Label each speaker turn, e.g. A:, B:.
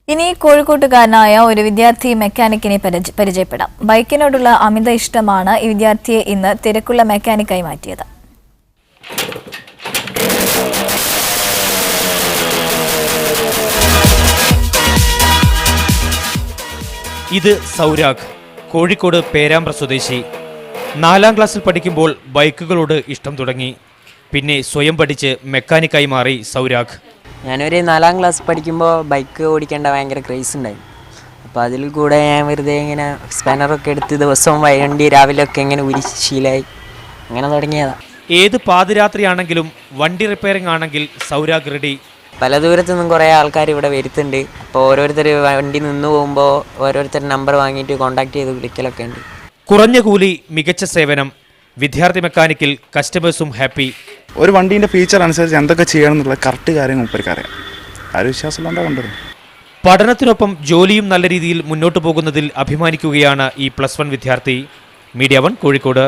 A: ഇനി കോഴിക്കോട്ടുകാരനായ ഒരു വിദ്യാർത്ഥി മെക്കാനിക്കിനെ പരിചയപ്പെടാം. ബൈക്കിനോടുള്ള അമിത ഇഷ്ടമാണ് ഈ വിദ്യാർത്ഥിയെ ഇന്ന് തിരക്കുള്ള മെക്കാനിക്കായി മാറ്റിയത്.
B: ഇത് സൗരാഗ്, കോഴിക്കോട് പേരാമ്പ്ര സ്വദേശി. 4ാം ക്ലാസ്സിൽ പഠിക്കുമ്പോൾ ബൈക്കുകളോട് ഇഷ്ടം തുടങ്ങി. പിന്നെ സ്വയം പഠിച്ച് മെക്കാനിക്കായി മാറി സൗരാഗ്.
C: ഞാനൊരു 4ാം ക്ലാസ് പഠിക്കുമ്പോൾ ബൈക്ക് ഓടിക്കേണ്ട ഭയങ്കര ക്രേസ് ഉണ്ടായിരുന്നു. അപ്പോൾ അതിൽ കൂടെ ഞാൻ വെറുതെ ഇങ്ങനെ സ്പാനറൊക്കെ എടുത്ത് ദിവസവും വണ്ടി രാവിലെയൊക്കെ ഇങ്ങനെ ശീലമായി അങ്ങനെ തുടങ്ങിയതാണ്.
B: ഏത് പാതിരാത്രിയാണെങ്കിലും വണ്ടി റിപ്പയറിംഗ് ആണെങ്കിൽ സൗരാഗ് റെഡി.
C: പല ദൂരത്തു നിന്നും കുറേ ആൾക്കാർ ഇവിടെ വരുത്തുന്നുണ്ട്. അപ്പോൾ ഓരോരുത്തർ വണ്ടി നിന്ന് പോകുമ്പോൾ ഓരോരുത്തർ നമ്പർ വാങ്ങിയിട്ട് കോൺടാക്ട് ചെയ്ത് വിളിക്കലൊക്കെ ഉണ്ട്.
B: കുറഞ്ഞ കൂലി, മികച്ച സേവനം. വിദ്യാർത്ഥി മെക്കാനിക്കിൽ കസ്റ്റമേഴ്സും ഹാപ്പി.
D: ഒരു വണ്ടീൻ്റെ ഫീച്ചർ അനുസരിച്ച് എന്തൊക്കെ ചെയ്യണം എന്നുള്ള കറക്റ്റ് കാര്യം മൂപ്പർക്കറിയാം. ആരും വിശ്വാസമില്ലാണ്ടാ കൊണ്ടുവരും.
B: പഠനത്തിനൊപ്പം ജോലിയും നല്ല രീതിയിൽ മുന്നോട്ട് പോകുന്നതിൽ അഭിമാനിക്കുകയാണ് ഈ +1 വിദ്യാർത്ഥി. മീഡിയ 1 കോഴിക്കോട്.